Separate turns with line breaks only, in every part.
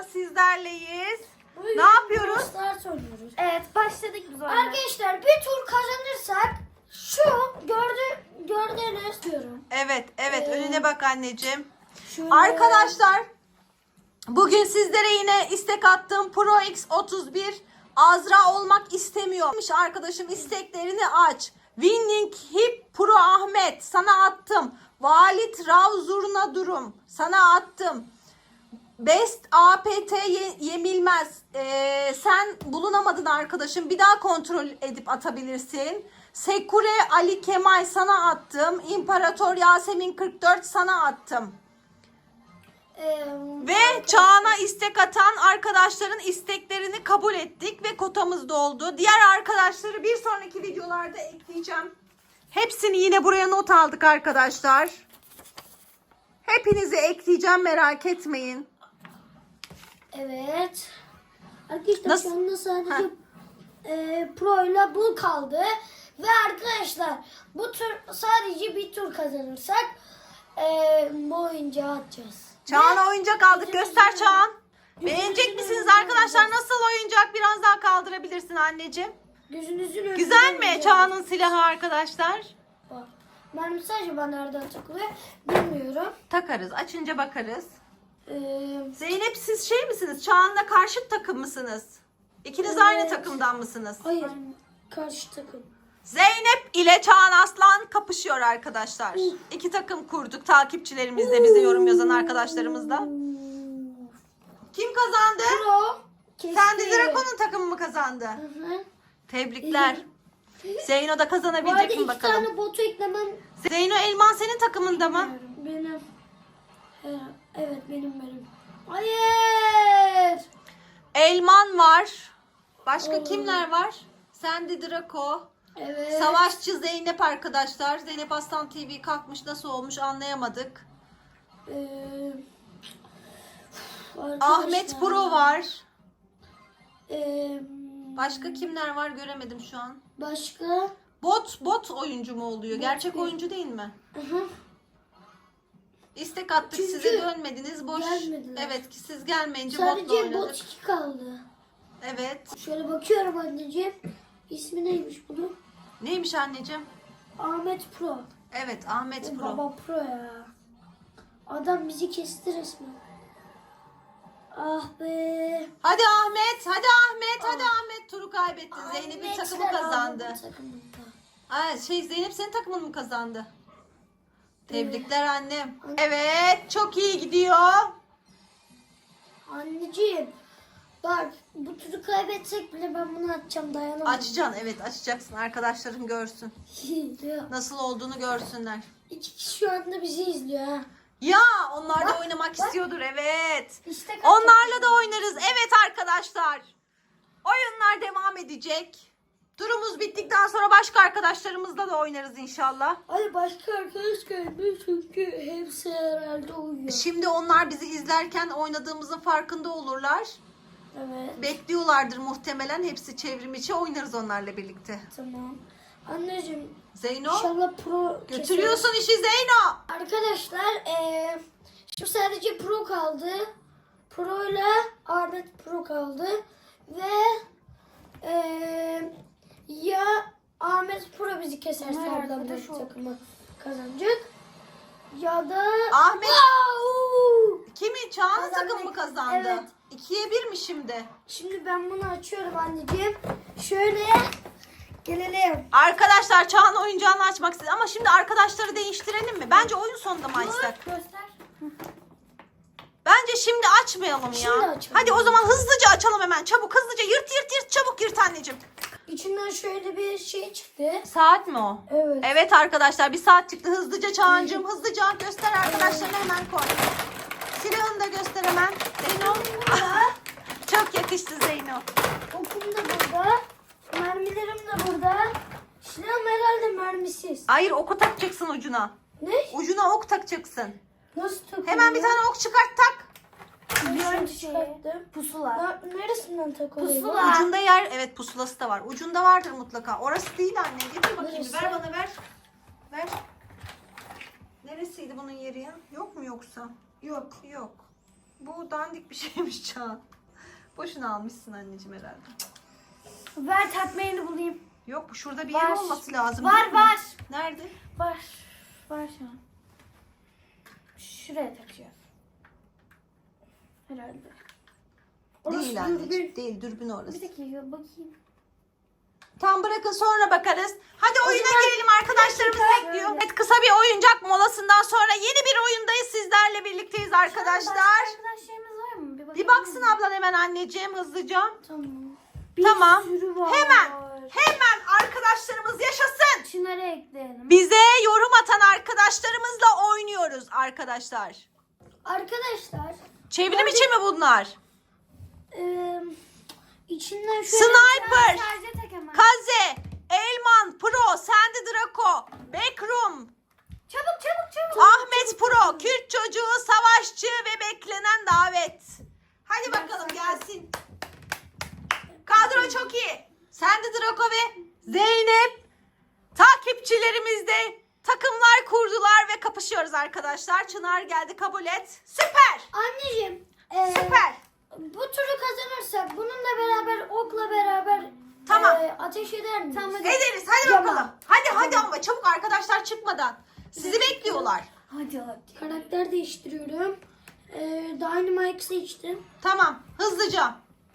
sizlerleyiz.
Bugün
Ne yapıyoruz?
Start oynuyoruz.
Evet, başladık biz oyuna.
Arkadaşlar bir tur kazanırsak şu gördüğünüz diyorum.
Evet, önüne bak anneciğim.
Şöyle.
Arkadaşlar, bugün sizlere yine istek attım. Pro X31 Azra olmak istemiyormuş. Arkadaşım isteklerini aç. Winning Hip Pro Ahmet sana attım. Valit Rav Zurna Durum sana attım. Best APT Yemilmez. Sen bulunamadın arkadaşım. Bir daha kontrol edip atabilirsin. Sekure Ali Kemal sana attım. İmparator Yasemin 44 sana attım. Ve Çağan'a istek atan arkadaşların isteklerini kabul ettik ve kotamız doldu. Diğer arkadaşları bir sonraki videolarda ekleyeceğim. Hepsini yine buraya not aldık arkadaşlar. Hepinizi ekleyeceğim, merak etmeyin.
Evet. Arkadaşlar
Nasıl?
şu anda sadece Pro ile bu kaldı. Ve arkadaşlar bu tur sadece bir tur kazanırsak bu oyuncağı atacağız.
Çağan'a oyuncak aldık. Göster Çağan. Beğenecek misiniz arkadaşlar? Nasıl oyuncak? Biraz daha kaldırabilirsin anneciğim.
Gözünüzün önünde.
Güzel mi Çağan'ın silahı arkadaşlar?
Bak. Mermisi acaba nereden takılıyor bilmiyorum.
Takarız. Açınca bakarız.
Ee,
Zeynep siz şey misiniz? Çağan'la karşıt takım mısınız? İkiniz
Evet.
aynı takımdan mısınız?
hayır. Karşı takım.
Zeynep ile Çağan Aslan kapışıyor arkadaşlar. İki takım kurduk. Takipçilerimiz de, bize yorum yazan arkadaşlarımız da. Kim kazandı?
Pro.
Sen de Drakon'un takımı mı kazandı?
Hı.
Tebrikler. Zeyno da
Bu arada
kazanabilecek mi
iki
bakalım?
tane botu eklemem.
Zeyno Elman senin takımında mı?
Benim. Evet benim. Hayır.
Elman var. Başka
Oo.
kimler var? Sandy Drako.
Evet.
Savaşçı Zeynep arkadaşlar. Zeynep Aslan TV kalkmış, nasıl olmuş anlayamadık. Ahmet Pro var. Başka kimler var göremedim şu an.
Başka.
Bot oyuncu mu oluyor? Gerçek
değil.
oyuncu değil mi?
Hı.
İstek attık,
Çünkü
size dönmediniz. Boş.
gelmediler.
Evet ki siz gelmeyince botla
Sadece
oynadık.
bot 2 kaldı.
Evet.
Şöyle bakıyorum anneciğim. İsmi neymiş bunun?
Neymiş anneciğim?
Ahmet Pro.
Evet, Ahmet Pro.
Baba Pro ya. Adam bizi kesti resmen. Ah be.
Hadi Ahmet, hadi Ahmet, hadi Ahmet. Turu kaybettin. Zeynep'in takımı
Ahmetler
kazandı.
Ahmet'in takımında.
Zeynep senin takımın mı kazandı? Tebrikler annem. Evet, çok iyi gidiyor.
Anneciğim. Bak bu turu kaybetsek bile ben bunu açacağım, dayanamam.
Açacaksın, evet açacaksın. Arkadaşların görsün. Nasıl olduğunu görsünler.
2 kişi şu anda bizi izliyor ha.
Ya onlar da oynamak istiyordur, evet.
İşte kaç
Onlarla da oynarız. Evet arkadaşlar. Oyunlar devam edecek. Turumuz bittikten sonra başka arkadaşlarımızla da oynarız inşallah.
Ay başka arkadaş gelmiyor çünkü hepsi herhalde uyuyor.
Şimdi onlar bizi izlerken oynadığımızın farkında olurlar.
Evet.
Bekliyorlardır muhtemelen. Hepsi çevrim içi, oynarız onlarla birlikte.
Tamam. Anneciğim
Zeyno,
inşallah pro
götürüyorsun işi Zeyno.
Arkadaşlar şimdi sadece pro kaldı. Pro ile Ahmet Pro kaldı. Ve ya Ahmet Pro bizi keserse
Ömer
oradan
arkadaş
bir
ol.
takımı kazanacak. Ya da
Ahmet
Au!
kimi? Çağan'ın
Kazandık.
takımı mı kazandı?
Evet.
2'ye 1 mi şimdi?
Şimdi ben bunu açıyorum anneciğim. Şöyle gelelim.
Arkadaşlar Çağan oyuncağını açmak istedi ama şimdi arkadaşları değiştirelim mi? Bence oyun sonunda mı açsak?
Göster.
Bence şimdi açmayalım ya.
Şimdi açalım.
Hadi o zaman hızlıca açalım hemen. Çabuk hızlıca yırt çabuk yırt anneciğim.
İçinden şöyle bir şey çıktı.
Saat mi o?
Evet.
Evet arkadaşlar bir saat çıktı. Hızlıca Çağancığım hızlıca göster, arkadaşlarına hemen koy. Silahını da göster hemen. Zeyno. Çok yakıştı Zeyno.
Okum da burada. Mermilerim de burada. Silahım herhalde mermisiz.
Hayır, oku takacaksın ucuna.
Ne?
Ucuna ok takacaksın.
Nasıl takılıyor?
Hemen bir tane ok çıkart tak.
Biliyorum çıkarttım.
Pusula.
Neresinden takılıyor?
Pusula.
Ucunda yer, evet pusulası da var. Ucunda vardır mutlaka. Orası değil anne. Getir bakayım.
Neresi?
Ver bana ver. Ver. Neresiydi bunun yeri ya? Yok mu yoksa? Yok. Bu dandik bir şeymiş Çağan. Boşuna almışsın anneciğim herhalde.
Ver takma yerini bulayım.
Yok, bu şurada bir
Var.
yer olması lazım.
Var,
değil mi?
var.
Nerede?
Var. Var şu an. Şuraya takacağız. Herhalde.
Değil anneciğim. Değil, dürbün
Bir
orası.
dakika bakayım.
Tam bırakın, sonra bakarız. Hadi oyuna girelim, arkadaşlarımız
şöyle.
bekliyor. Evet, kısa bir oyuncak molasından sonra yeni bir oyundayız, sizlerle birlikteyiz arkadaşlar.
Arkadaşlarımız var mı?
Bir
bakabilir
baksın
miyim?
ablan hemen anneciğim hızlıca.
Tamam.
Tamam.
Sürü var.
Hemen arkadaşlarımız yaşasın.
Şunları ekleyelim.
Bize yorum atan arkadaşlarımızla oynuyoruz arkadaşlar.
Arkadaşlar
Çevrim içi mi bunlar?
içinden şöyle
Sniper,
Sadece tek hemen.
Kaze, Elman, Pro, Sandy Draco, Backroom,
Çabuk.
Ahmet Pro, Kürt çocuğu, savaşçı ve beklenen davet. Hadi bakalım gelsin. Kadro çok iyi. Sandy Draco ve Zeynep takipçilerimiz de takımlar kurdular ve kapışıyoruz arkadaşlar. Çınar geldi, kabul et. Süper.
Anneciğim
Süper.
bu turu kazanırsak bununla beraber okla beraber
Tamam.
ateş eder miyiz?
Tamam, hadi.
Ederiz. Hadi
Tamam.
bakalım. Hadi ama çabuk, arkadaşlar çıkmadan. Sizi bekliyorlar.
Hadi.
Karakter değiştiriyorum. Dynamite seçtim.
Tamam. Hızlıca.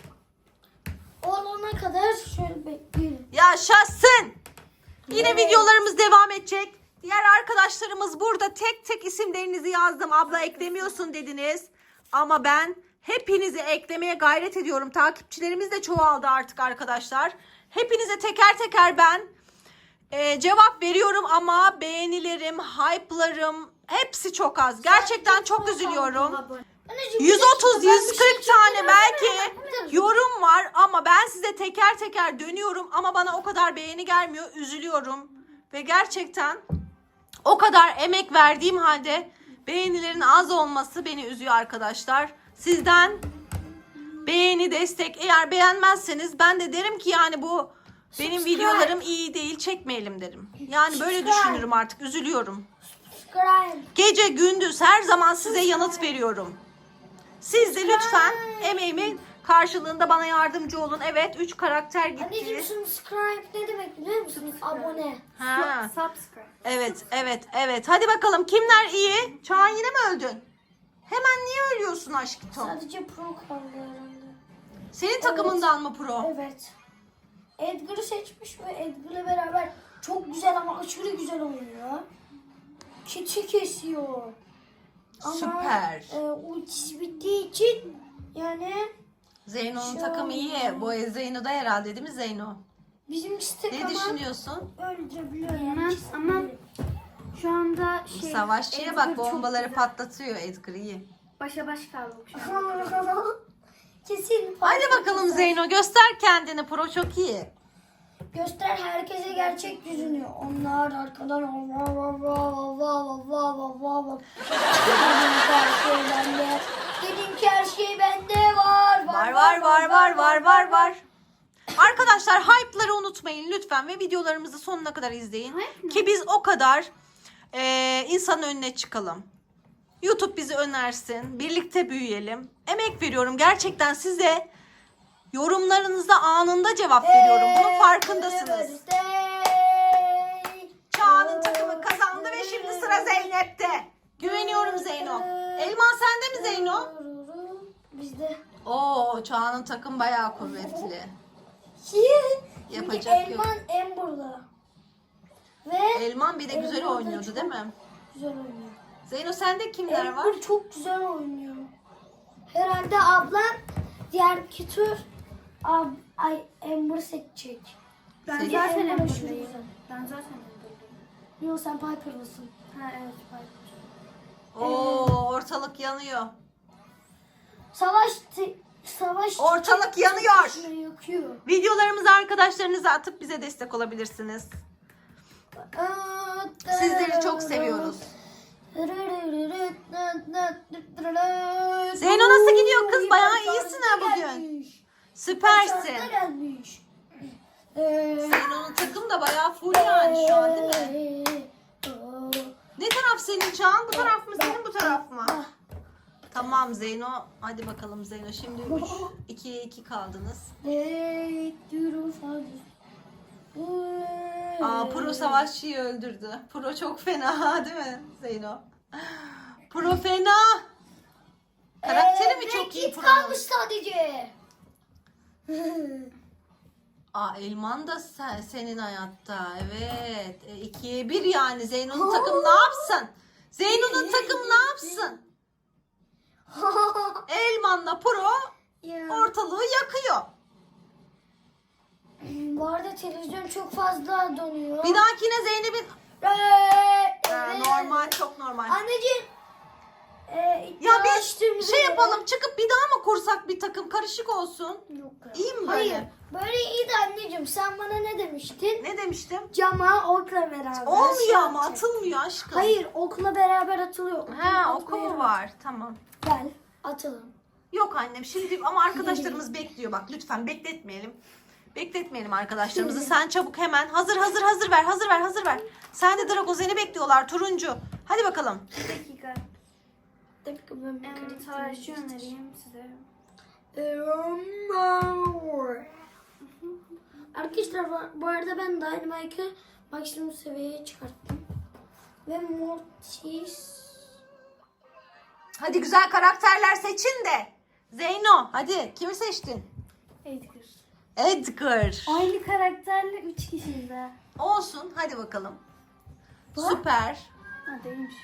Olana kadar şöyle bekleyelim.
Yaşasın. Yine
Evet.
videolarımız devam edecek. Diğer arkadaşlarımız burada, tek tek isimlerinizi yazdım. Abla eklemiyorsun dediniz. Ama ben hepinizi eklemeye gayret ediyorum. Takipçilerimiz de çoğaldı artık arkadaşlar. Hepinize teker teker ben cevap veriyorum ama beğenilerim, hype'larım hepsi çok az. Gerçekten çok üzülüyorum.
Anneciğim,
130,
bir dakika, ben bir
140
şey
tane
çekeceğim.
belki
Bir dakika.
yorum var ama ben size teker teker dönüyorum ama bana o kadar beğeni gelmiyor. Üzülüyorum ve gerçekten o kadar emek verdiğim halde beğenilerin az olması beni üzüyor arkadaşlar. Sizden beğeni, destek, eğer beğenmezseniz ben de derim ki yani bu benim
Subscribe.
videolarım iyi değil, çekmeyelim derim. Yani böyle
Subscribe.
düşünürüm artık, üzülüyorum.
Subscribe.
Gece gündüz her zaman size yanıt veriyorum. Siz de lütfen emeğimin karşılığında bana yardımcı olun. Evet, 3 karakter
Anneciğim
gitti.
subscribe ne demek biliyor musunuz? Abone.
Ha.
Subscribe.
Evet. Hadi bakalım, kimler iyi? Çağan, yine mi öldün? Hemen niye ölüyorsun aşkım?
Sadece pro kaldı herhalde.
Senin takımından mı pro?
Evet. Edgar'ı seçmiş ve Edgar'la beraber çok güzel ama aşırı güzel oynuyor. Keçi kesiyor. Ama,
Süper.
ultisi bittiği için yani
Zeyno'nun
Şu
takımı iyi.
an-
Bu Zeyno da herhalde, değil mi Zeyno?
bizimkisi tek
Ne
ama
düşünüyorsun?
öldürebiliyor.
Bilmem ama şu anda
Savaşçıya bak,
Edgar çok
bombaları
güzel.
patlatıyor Edgar, iyi.
Başa baş kaldık şu an.
Kesin.
Hadi bakalım Zeyno, göster kendini, pro çok iyi.
Göster herkese gerçek yüzünü. Onlar arkadan vav vav vav vav vav vav vav. Dedim ki her şey bende. Dedim ki her şey bende var.
Var. Arkadaşlar, hype'ları unutmayın lütfen ve videolarımızı sonuna kadar izleyin.
Hype mi?
Ki biz o kadar insanın önüne çıkalım. YouTube bizi önersin. Birlikte büyüyelim. Emek veriyorum. Gerçekten size yorumlarınıza anında cevap veriyorum. Bunun farkındasınız. Çağan'ın takımı kazandı ve şimdi sıra Zeynep'te. Güveniyorum Zeyno. Elman sende mi Zeyno?
Bizde.
Oo, Çağan'ın takım bayağı kuvvetli. Yapacak yok.
Elman en burada. Ve
Elman bir de güzel
Elman da
oynuyordu
çok
değil mi?
güzel oynuyor.
Zeyno, sende kimler var?
Elman çok güzel oynuyor. Herhalde ablam diğer iki tur Amber seçecek.
Ben
Seç.
zaten
Elman
Amber'dayım.
aşırı güzel.
Ben zaten Amber'dayım.
Yok sen Piper'lısın.
Ha evet Piper.
Oo, ortalık yanıyor.
Savaş
Ortalık yanıyor.
yakıyor.
Videolarımızı arkadaşlarınıza atıp bize destek olabilirsiniz. Sizleri çok seviyoruz. Zeyno nasıl gidiyor kız? Bayağı iyisin ha bugün. Süpersin. Zeyno'nun takım da bayağı full yani şu an, değil mi? Ne taraf senin Çağan? Bu taraf mı senin, bu taraf mı? Tamam Zeyno. Hadi bakalım Zeyno. Şimdi 2'ye 2 kaldınız. Pro savaşçıyı öldürdü. Pro çok fena değil mi Zeyno? Pro fena. Karakteri mi çok iyi
Kit
Pro'nun?
kalmış sadece.
Elman da senin hayatta. Evet. 2'ye 1 yani. Zeyno'nun takım ne yapsın? Zeyno'nun takım ne yapsın? Elman'la Pro ortalığı yakıyor.
Bu arada televizyon çok fazla donuyor.
Bir dahakine Zeynep'in... Normal, çok normal.
Anneciğim.
Ya bir şey yapalım, çıkıp bir daha mı kursak bir takım karışık olsun?
Yok.
İyi mi böyle?
Hayır. Böyle iyi de anneciğim. Sen bana ne demiştin?
Ne demiştim?
Cama okla beraber.
Olmuyor ama atılmıyor aşkım.
Hayır, okla beraber atılıyor.
Oku mu var? Tamam.
Gel, atalım.
Yok annem şimdi ama arkadaşlarımız bekliyor bak lütfen bekletmeyelim. Bekletmeyelim arkadaşlarımızı. Sen çabuk hemen hazır ver. Sen de Drago seni bekliyorlar turuncu. Hadi bakalım.
Bir dakika.
Ben
Savaşçı önereyim size.
Arkadaşlar bu arada ben Dynamite'ı maksimum seviyeye çıkarttım. Ve Mortis.
Hadi güzel karakterler seçin de. Zeyno hadi kimi seçtin?
Edgar.
Edgar.
Aynı karakterle 3 kişiyiz ha.
Olsun hadi bakalım. Süper.
Ha değilmiş.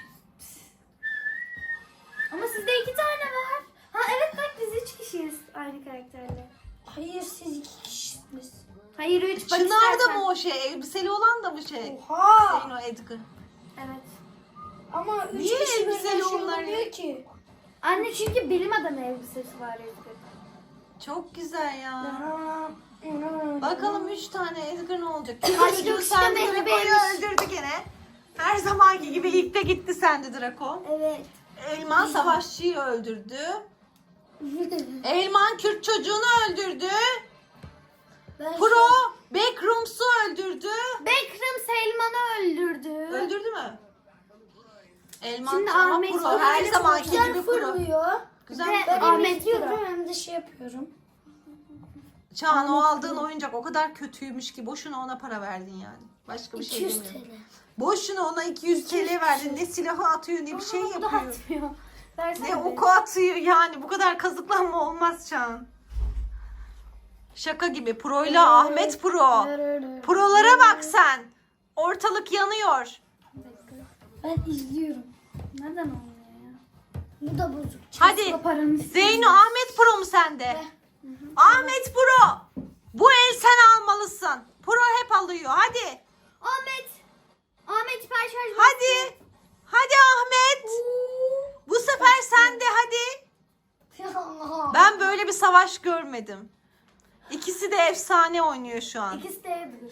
Ama sizde 2 tane var. Ha evet bak biz 3 kişiyiz aynı karakterle.
Hayır siz 2 kişisiniz.
Hayır 3 bak
Çınar da
istersen.
mı o şey? Elbiseli olan da mı şey?
Oha!
Zeyno Edgar.
Evet.
Ama 3
Niye
kişi
elbiseli
böyle şey
onlar
olmuyor
ya?
ki.
Anne çünkü bilim adamı elbisesi var Edgar'ın.
Çok güzel ya.
Bakalım.
Bakalım 3 tane Edgar ne olacak?
Hadi
Çocuğu
yok işte
sen
Mehmet
Draco'yu
Bey'miş.
öldürdü gene. Her zamanki gibi ilk de gitti sende Draco.
Evet.
Elman savaşçıyı öldürdü. Elman Kürt çocuğunu öldürdü.
Ben
Pro Backrooms'u öldürdü.
Bekram Selman'ı öldürdü.
Öldürdü mü? Elman
Şimdi
ama
Ahmet
Pro
Pro
her
öyle
zamanki
güzel
gibi Pro.
fırlıyor.
Güzel
Ve-
Ben hem
Ahmet
izliyorum
Pro.
hem de şey yapıyorum.
Çağan o aldığın oyuncak o kadar kötüymüş ki boşuna ona para verdin yani. Başka bir şey
200
demiyorum.
TL.
Boşuna ona 200 TL verdin. Ne silahı atıyor ne bir şey
Aa, bu da
yapıyor.
atmıyor. Versene
Ne
be.
oku atıyor yani. Bu kadar kazıklanma olmaz Çağan. Şaka gibi. Pro'yla Ahmet Pro. Pro'lara bak sen. Ortalık yanıyor.
Ben izliyorum.
Neden olmuyor ya?
Bu da bozuk.
Hadi.
O paranı istiyorum.
Zeyno Ahmet Pro mu sende? Ahmet Pro. Bu el sen almalısın. Pro hep alıyor. Hadi.
Ahmet hiper şarj.
Hadi. Hadi Ahmet. Bu sefer sende hadi. Ben böyle bir savaş görmedim. İkisi de efsane oynuyor şu an.
İkisi de Edgar.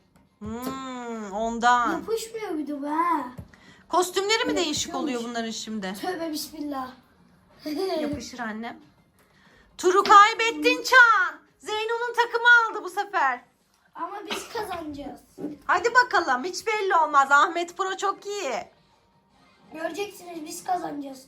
Ondan.
Yapışmıyor bir de be.
Kostümleri mi değişik oluyor bunların şimdi?
Tövbe bismillah.
Yapışır annem. Turu kaybettin Çağan. Zeyno'nun takımı aldı bu sefer.
Ama biz kazanacağız.
Hadi bakalım hiç belli olmaz. Ahmet Pro çok iyi.
Göreceksiniz biz kazanacağız.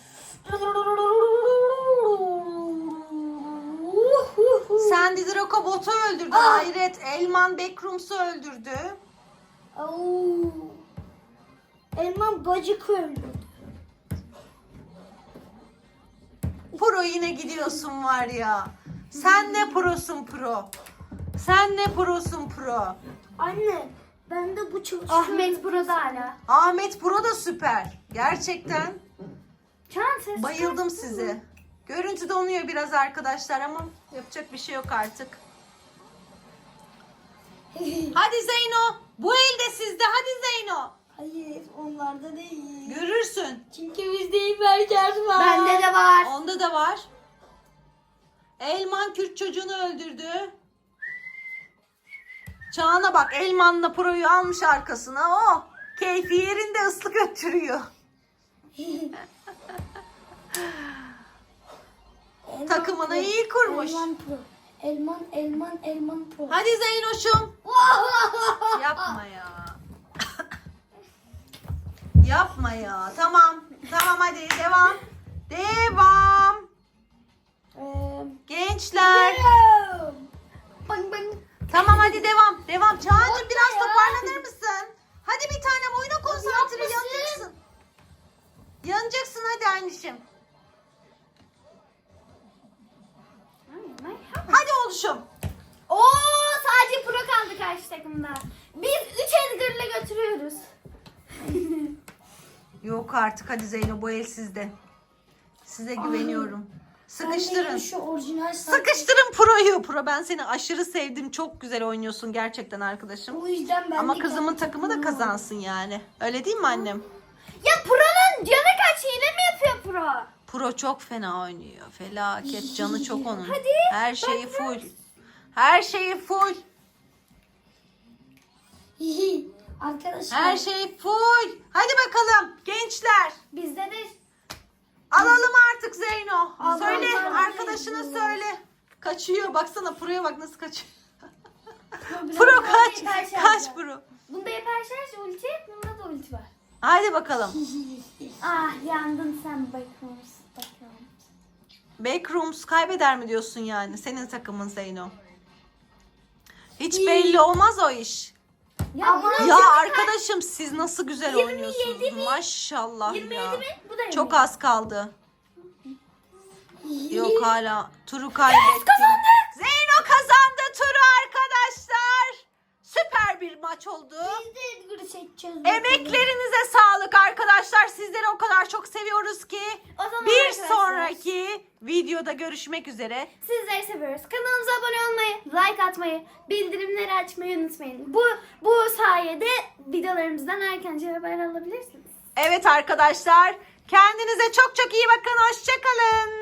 Sandy Draco botu öldürdü. Hayret. Elman Backrooms'u öldürdü.
Au. Elman bacık öldü.
Pro yine gidiyorsun var ya. Sen ne prosun pro. Sen ne prosun pro.
Anne ben de bu çalışıyor.
Ahmet burada hala.
Ahmet Pro da süper. Gerçekten
Çağan ses
bayıldım size. Görüntü donuyor biraz arkadaşlar ama yapacak bir şey yok artık. Hadi Zeyno. Bu elde sizde. Hadi Zeyno.
Hayır onlarda değil.
Görürsün.
Çünkü bizde hiperşarj var.
Bende de var.
Onda da var. Elman Kürt çocuğunu öldürdü. Çağan'a bak Elman'la Pro'yu almış arkasına. Oh, keyfi yerinde ıslık öttürüyor. Takımını iyi kurmuş.
Elman Pro. Elman Pro.
Hadi Zeynoş'um. Yapma ya. Yapma ya. Tamam. Tamam hadi devam. Devam. gençler.
Bang bang.
Tamam hadi devam. Devam. Çağatay biraz toparlanır mısın? Hadi bir tane oyuna konsantre, yanacaksın. Yanacaksın hadi anneciğim. Hadi oluşum.
Oo, sadece pro kaldı karşı takımda. Biz 3 Edgar'la götürüyoruz.
Yok artık hadi Zeyno, bu el sizde. Size güveniyorum.
Ben de
Sıkıştırın.
şu orijinal
Sıkıştırın Pro'yu. Pro, ben seni aşırı sevdim. Çok güzel oynuyorsun gerçekten arkadaşım.
O yüzden ben
Ama
de
kızımın
kendi
takımı da
takımımı aldım.
kazansın yani. Öyle değil mi annem?
Ya Pro'nun canı kaç, hile mi yapıyor Pro?
Pro çok fena oynuyor. Felaket. Canı çok onun.
Hadi,
Her şeyi full. Her şeyi full.
Arkadaşlar.
Her şey full. Hadi bakalım gençler.
Bizde de
Alalım artık Zeyno.
Alalım,
Söyle
alalım.
arkadaşına söyle. Kaçıyor. Baksana Pro'ya bak nasıl kaçıyor.
Problem-
Pro kaç.
Hiper şarjı.
Kaç Pro.
bunda hiper şarj ulti, bunda da ulti var.
Hadi bakalım.
Ah, yandın sen bakalım.
Backrooms kaybeder mi diyorsun yani? Senin takımın Zeyno. Hiç belli olmaz o iş.
Ya bunun
Ya
canı
arkadaşım siz nasıl güzel
27
oynuyorsunuz.
mi?
Maşallah
27
ya.
mi? Bu da
Çok
27.
az kaldı. Yok hala. Turu kaybettik. Zeyno kazandı turu arkadaşlar. Süper bir maç oldu.
Biz de Edgar'ı seçeceğiz.
Emeklerinize sağlık arkadaşlar. Sizleri o kadar çok seviyoruz ki.
O zaman
Bir
arkadaşlar,
sonraki videoda görüşmek üzere.
sizleri seviyoruz. Kanalımıza abone olmayı, like atmayı, bildirimleri açmayı unutmayın. Bu sayede videolarımızdan erkence haber alabilirsiniz.
Evet arkadaşlar. Kendinize çok çok iyi bakın. Hoşça kalın.